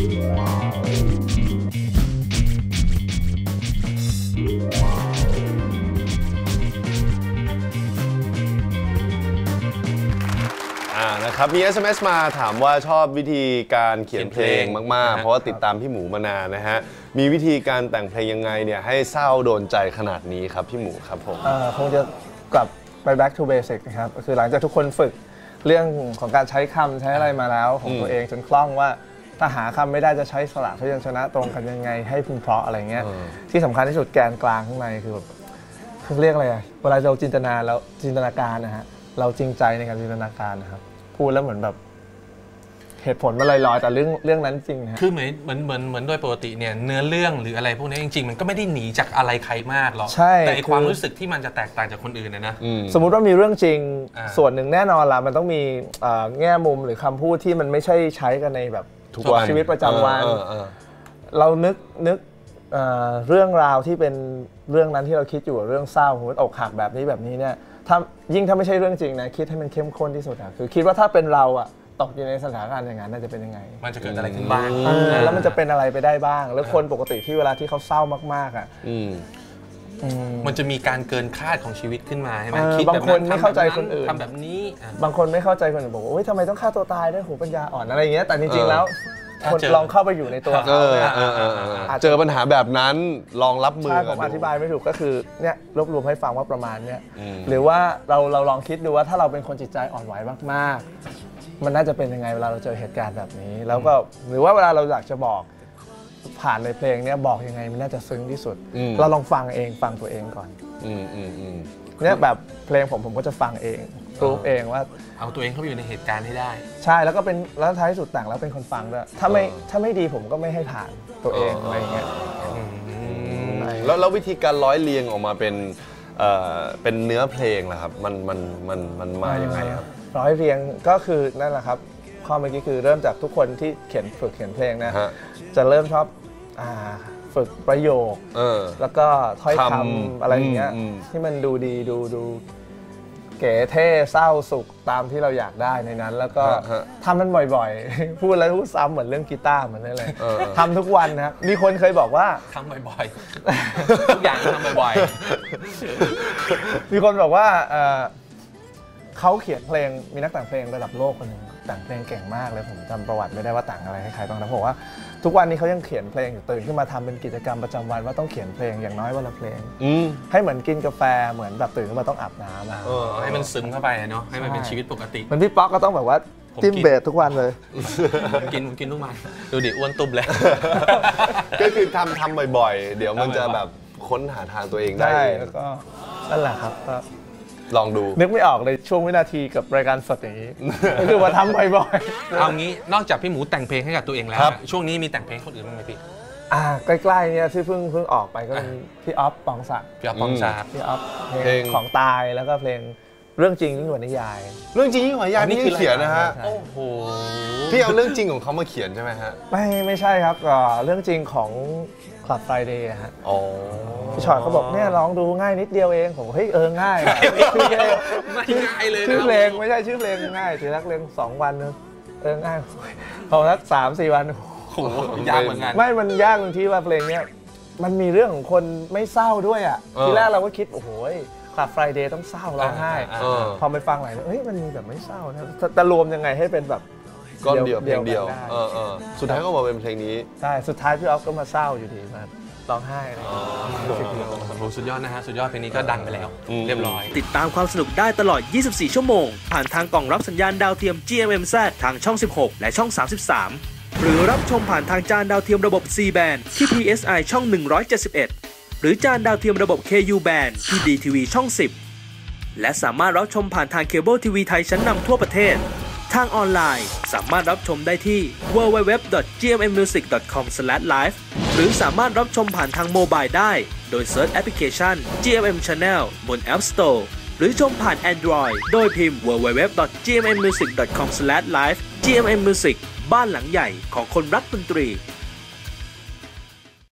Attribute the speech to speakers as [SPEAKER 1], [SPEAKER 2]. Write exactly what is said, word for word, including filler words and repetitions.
[SPEAKER 1] นะครับมี เอส เอ็ม เอส มาถามว่าชอบวิธีการเขียนเพลงมากๆเพราะว่าติดตามพี่หมูมานานนะฮะมีวิธีการแต่งเพลงยังไงเนี่ยให้เศร้าโดนใจขนาดนี้ครับพี่หมูครับผม
[SPEAKER 2] คงจะกลับไป back to basic นะครับก็คือหลังจากทุกคนฝึกเรื่องของการใช้คำใช้อะไรมาแล้วของตัวเองจนคล่องว่าถ้าหาคำไม่ได้จะใช้สระพยัญชนะตรงกันยังไงให้พึงเพราะอะไรเงี้ยที่สำคัญที่สุดแกนกลางข้างในคือแบบคือเรียกอะไรเวลาเราจินตนาแล้วจินตนาการนะฮะเราจริงใจในการจินตนาการนะครับพูดแล้วเหมือนแบบเหตุผลมันลอยๆแต่เรื่องเรื่องนั้นจริงนะ
[SPEAKER 3] คือเหมือนเหมือนเหมือนเหมือนโดยปกติเนี่ยเนื้อเรื่องหรืออะไรพวกนี้จริงๆมันก็ไม่ได้หนีจากอะไรใครมากหรอกแต่ความรู้สึกที่มันจะแตกต่างจากคนอื่นนะนะ
[SPEAKER 2] สมมุติว่ามีเรื่องจริงส่วนหนึ่งแน่นอนละมันต้องมีแง่มุมหรือคำพูดที่มันไม่ใช่ใช้กันในแบบทุกชีวิตประจำวันเรานึกนึกเรื่องราวที่เป็นเรื่องนั้นที่เราคิดอยู่เรื่องเศร้าหัวอกหักแบบนี้แบบนี้เนี่ยถ้ายิ่งถ้าไม่ใช่เรื่องจริงนะคิดให้มันเข้มข้นที่สุดอะคือคิดว่าถ้าเป็นเราอะตกอยู่ในสถานการณ์อย่างนั้นน่าจะเป็นยังไง
[SPEAKER 3] มันจะเกิดอะไรขึ้นบ้าง
[SPEAKER 2] แล้วมันจะเป็นอะไรไปได้บ้างแล้วคนปกติที่เวลาที่เขาเศร้ามากๆอะ
[SPEAKER 3] มันจะมีการเกินคาดของชีวิตขึ้นมาใช่ไหม
[SPEAKER 2] บางคนไม่เข้าใจคนอื่น
[SPEAKER 3] ทำแบบนี้
[SPEAKER 2] บางคนไม่เข้าใจคนอื่นบอกว่าโอ๊ยทำไมต้องฆ่าตัวตายด้วยหูปัญญาอ่อนอะไรอย่างเงี้ยแต่จริงๆแล้วคนลองเข้าไปอยู่ในตัวเขา
[SPEAKER 1] เจอปัญหาแบบนั้นลองรับมือใช่
[SPEAKER 2] ผมอธิบายไม่ถูกก็คือเนี่ยรวบรวมให้ฟังว่าประมาณเนี้ยหรือว่าเราเราลองคิดดูว่าถ้าเราเป็นคนจิตใจอ่อนไหวมากๆมันน่าจะเป็นยังไงเวลาเราเจอเหตุการณ์แบบนี้แล้วก็หรือว่าเวลาเราอยากจะบอกผ่านในเพลงเนี้ยบอกยังไงมันน่าจะซึ้งที่สุดเราลองฟังเองฟังตัวเองก่อนเนี่ยแบบเพลงผมผมก็จะฟังเองรู้เองว่า
[SPEAKER 3] เอาตัวเองเข้าไปอยู่ในเหตุการณ์ให้ได้
[SPEAKER 2] ใช่แล้วก็เป็นแล้วท้ายสุดแต่งแล้วเป็นคนฟังด้วยถ้าไม่ถ้าไม่ดีผมก็ไม่ให้ผ่านตัวเองอะไรเงี้ย
[SPEAKER 1] แล้วแล้ววิธีการร้อยเรียงออกมาเป็นเป็นเนื้อเพลงล่ะครับมันมันมันมันมาอย่างไงครับ
[SPEAKER 2] ร้อยเรียงก็คือนั่นแหละครับข้อเมื่อกี้คือเริ่มจากทุกคนที่เขียนฝึกเขียนเพลงนะจะเริ่มชอบฝึกประโยคแล้วก็ถ้อยคำอะไรอย่างเงี้ยที่มันดูดีดูดูเก๋เท่เศร้าสุขตามที่เราอยากได้ในนั้นแล้วก็ทำมันบ่อยๆพูดแล้วพูดซ้ำเหมือนเรื่องกีตาร์เหมือนนั่นเลยทำทุกวันนะครับมีคนเคยบอกว่า
[SPEAKER 3] ทำบ่อยๆทุกอย่างทำบ่อย
[SPEAKER 2] ๆมีคนบอกว่าเขาเขียนเพลงมีนักแต่งเพลงระดับโลกคนหนึ่งแต่งเพลงเก่งมากเลยผมจำประวัติไม่ได้ว่าแต่งอะไรให้ใครบ้างนะผมว่าทุกวันนี้เขายังเขียนเพลงอยู่ตื่นขึ้นมาทำเป็นกิจกรรมประจำวันว่าต้องเขียนเพลงอย่างน้อยวันละเพลงให้เหมือนกินกาแฟเหมือนแบบตื่นขึ้นมาต้องอาบน้
[SPEAKER 3] ำให้มันซึมเข้าไปเนาะให้มันเป็นชีวิตปกติ
[SPEAKER 2] เหมือนพี่ป๊อกก็ต้องแบบว่าจิ้มเบสทุกวันเลย
[SPEAKER 3] กินกินทุกวันดูดิอ้วนตุบเลย
[SPEAKER 1] ก็คือทำทำบ่อยๆเดี๋ยวมันจะแบบค้นหาทางตัวเองได้
[SPEAKER 2] แล้วก็นั่นแหละครับ
[SPEAKER 1] ลองดู
[SPEAKER 2] นึกไม่ออกเลยช่วงวินาทีกับรายการสดอย่างนี้ก็คือว่าทำบ่อย
[SPEAKER 3] ๆเอางี้นอกจากพี่หมูแต่งเพลงให้กับตัวเองแล้วช่วงนี้มีแต่งเพลงคนอื่นบ้างไหมพี่
[SPEAKER 2] อ่าใกล้ๆเนี่ยที่เพิ่งเพิ่งออกไปก็เป็นพี่อ๊อฟปองศักดิ์
[SPEAKER 3] พี่อ๊อฟปองศักดิ์
[SPEAKER 2] พี่อ๊อฟเพลงของตายแล้วก็เพลงเรื่องจริงยิ่งกว่านิยาย
[SPEAKER 1] เรื่องจริงยิ่งกว่านิยายนี่คือเขียนนะฮะโอ้โหพี่เอาเรื่องจริงของเขามาเขียนใช่ไหมฮะ
[SPEAKER 2] ไม่ไม่ใช่ครับเรื่องจริงของคลับไฟเดย์ฮะพี่ชอตเขาบอกเนี่ยร้องดูง่ายนิดเดียวเองผมเฮ้ยเออง่าย
[SPEAKER 3] ชื่อเพลงไม่ง่ายเลย
[SPEAKER 2] ชื่อเพลงไม่ใช่ชื่อเพลงง่ายถือรักเรียงสองวันนึงเออง่ายพอรักสามสี่วัน
[SPEAKER 3] โหยากเหมือนกัน
[SPEAKER 2] ไม่มันยากตรงที่ว่าเพลงเนี้ยมันมีเรื่องของคนไม่เศร้าด้วยอ่ะทีแรกเราก็คิดโอ้โหคลับไฟเดย์ต้องเศร้าร้องไห้พอไปฟังหลายเฮ้ยมันมีแบบไม่เศร้านะจะรวมยังไงให้เป็นแบบ
[SPEAKER 1] ก้อนเดียวเพลงเดียวสุดท้ายก็มาเป็นเพลงนี้
[SPEAKER 2] ใช่สุดท้ายพี่ออฟก็มาเศร้าอยู่ดีมาร้องไห้อะไร
[SPEAKER 3] สุดยอดนะฮะสุดยอดเพลงนี้ก็ดังไปแล้วเรียบร้อย
[SPEAKER 4] ติดตามความสนุกได้ตลอดยี่สิบสี่ชั่วโมงผ่านทางกล่องรับสัญญาณดาวเทียม จี เอ็ม เอ็ม แซด ทางช่องสิบหกและช่องสามสิบสามหรือรับชมผ่านทางจานดาวเทียมระบบ ซี แบนด์ ที่ พี เอส ไอ ช่องหนึ่งร้อยเจ็ดสิบเอ็ดหรือจานดาวเทียมระบบ เค ยู แบนด์ ที่ ดี ที วี ช่องสิบและสามารถรับชมผ่านทางเคเบิลทีวีไทยชั้นนำทั่วประเทศทางออนไลน์สามารถรับชมได้ที่ ดับเบิลยู ดับเบิลยู ดับเบิลยู ดอท จี เอ็ม เอ็ม มิวสิก ดอท คอม สแลช ไลฟ์ หรือสามารถรับชมผ่านทางโมบายได้โดยเซิร์ชแอปพลิเคชัน จี เอ็ม เอ็ม Channel บน App Store หรือชมผ่าน Android โดยพิมพ์ ดับเบิลยู ดับเบิลยู ดับเบิลยู ดอท จี เอ็ม เอ็ม มิวสิก ดอท คอม สแลช ไลฟ์ จี เอ็ม เอ็ม Music บ้านหลังใหญ่ของคนรักดนตรี